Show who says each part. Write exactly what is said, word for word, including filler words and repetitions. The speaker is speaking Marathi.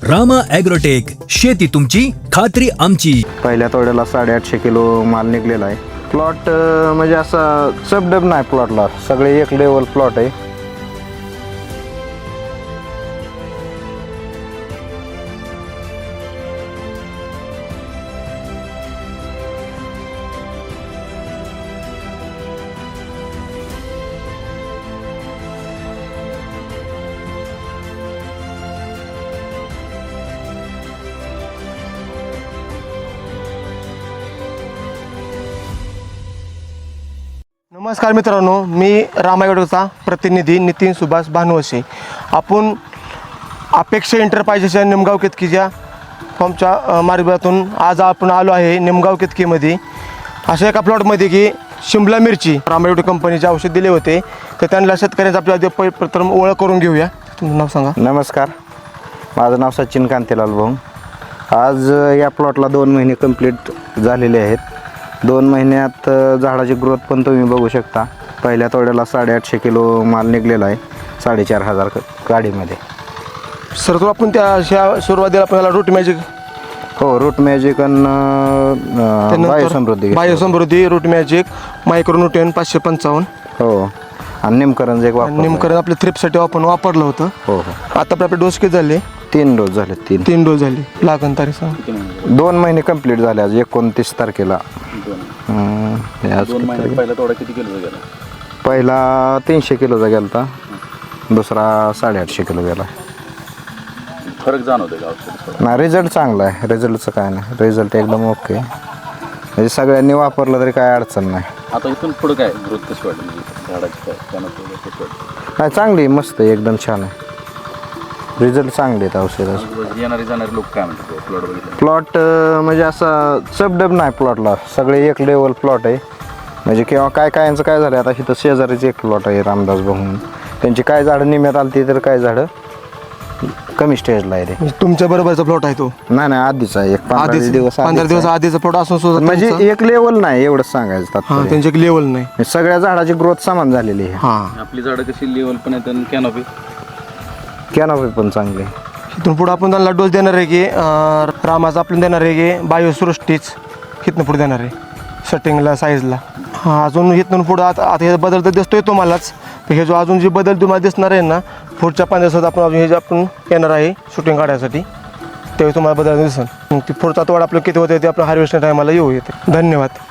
Speaker 1: रामा ॲग्रोटेक, शेती तुमची खात्री आमची.
Speaker 2: पहिल्या तोड्याला साडेआठशे किलो माल निघलेला आहे. प्लॉट म्हणजे असा सबडब नाही प्लॉटला, सगळे एक लेवल प्लॉट आहे.
Speaker 3: नमस्कार मित्रांनो, मी रामा ॲग्रोटेकचा प्रतिनिधी नितीन सुभाष भानुवसे. आपण अपेक्षा एंटरप्राइजेसच्या निमगाव केतकीच्या फॉर्मच्या मार्गातून आज आपण आलो आहे निमगाव केतकीमध्ये. अशा एका प्लॉटमध्ये की शिमला मिरची रामा ॲग्रोटेक कंपनीचे औषध दिले होते, तर त्यांना शेतकऱ्यांचा आपल्या प्रथम ओळख करून घेऊया. तुमचं नाव सांगा.
Speaker 2: नमस्कार, माझं नाव सचिन कांतीलाल भाऊ. आज या प्लॉटला दोन महिने कंप्लीट झालेले आहेत. दोन महिन्यात झाडाची ग्रोथ पण तुम्ही बघू शकता. पहिल्या तोड्याला साडेआठशे किलो माल निघलेला आहे, साडेचार हजार गाडीमध्ये.
Speaker 3: सर, तो आपण त्या अशा सुरुवातीला आपल्याला रूट मॅजिक
Speaker 2: हो रूट मॅजिक आणि बायोसमृद्धी
Speaker 3: बायोसमृद्धी रूट मॅजिक मायक्रोन्यूट्रिएंट पाचशे पंचावन्न
Speaker 2: हो आणि निमकरण एक वापर
Speaker 3: निमकरण आपल्या थ्रिपसाठी आपण वापरलं होतं.
Speaker 2: हो हो
Speaker 3: आता आपले डोस किती झाले?
Speaker 2: तीन डोस झाले. तीन
Speaker 3: तीन डोस झाले. लागण तारीख सांग.
Speaker 2: दोन महिने कंप्लीट झाले. आज एकोणतीस तारखेला.
Speaker 4: पहिला तोडा किती किलोचा गेला?
Speaker 2: पहिला तीनशे किलोचा गेला होता, दुसरा साडेआठशे किलो गेला.
Speaker 4: फरक जाणवतो का औषध?
Speaker 2: नाही, रिझल्ट चांगला आहे. रिझल्टचं काय नाही, रिझल्ट एकदम ओके. म्हणजे सगळ्यांनी वापरलं तरी काय अडचण नाही.
Speaker 4: आता इथून पुढं काय ग्रोथ कशी वाटली? म्हणजे झाडाची काय त्यानंतर कशी वाटली?
Speaker 2: नाही, चांगली मस्त आहे, एकदम छान आहे. रिझल्ट चांगले आहेत औषधाचे.
Speaker 4: येणारे जाणारे लोक काय म्हणतात प्लॉट बघितलं?
Speaker 2: प्लॉट म्हणजे असा सबडब नाही प्लॉटला, सगळे एक लेवल प्लॉट आहे. म्हणजे किंवा काय कायांचं काय झालं, आता इथं शेजारीच एक प्लॉट आहे रामदास भाऊ, त्यांची काय झाडं निम्यात आलती तर काय झाडं कमी स्टेजला आहे. ते
Speaker 3: तुमच्या बरोबरचा प्लॉट आहे तो?
Speaker 2: नाही नाही, आधीच आहे. एक पंधरा
Speaker 3: आधीच
Speaker 2: दिवस
Speaker 3: पंधरा दिवस आधीचा प्लॉट असून सुद्धा
Speaker 2: म्हणजे
Speaker 3: तुमचा-
Speaker 2: एक लेवल नाही एवढंच सांगायचं
Speaker 3: हा,
Speaker 2: तात्पर्य.
Speaker 3: त्यांची एक लेवल नाही.
Speaker 2: सगळ्या झाडाची ग्रोथ समान झालेली आहे.
Speaker 3: हा,
Speaker 4: आपली झाडं कशी लेवल पण आहेत आणि कॅनॉपी
Speaker 2: कॅनॉपी पण चांगली आहे.
Speaker 3: इथून पुढे आपण त्यांना डोस देणार आहे की अं, रामाचा आपल्याला देणार आहे की बायोसृष्टीच इथनं पुढे देणार आहे सेटिंगला साईजला. हां, अजून इथून पुढं आता आता हे बदल तर दिसतोय तुम्हालाच. तर हे जो अजून जे बदल तुम्हाला दिसणार आहे ना, पुढच्या पाच दिवसात आपण अजून हे जे आपण येणार आहे शूटिंग काढण्यासाठी, त्यावेळी तुम्हाला बदल दिसेल. मग ती पुढचा तोड आपलं किती होते ते आपण हार्वेस्टिंग टायमाला येऊ येते. धन्यवाद.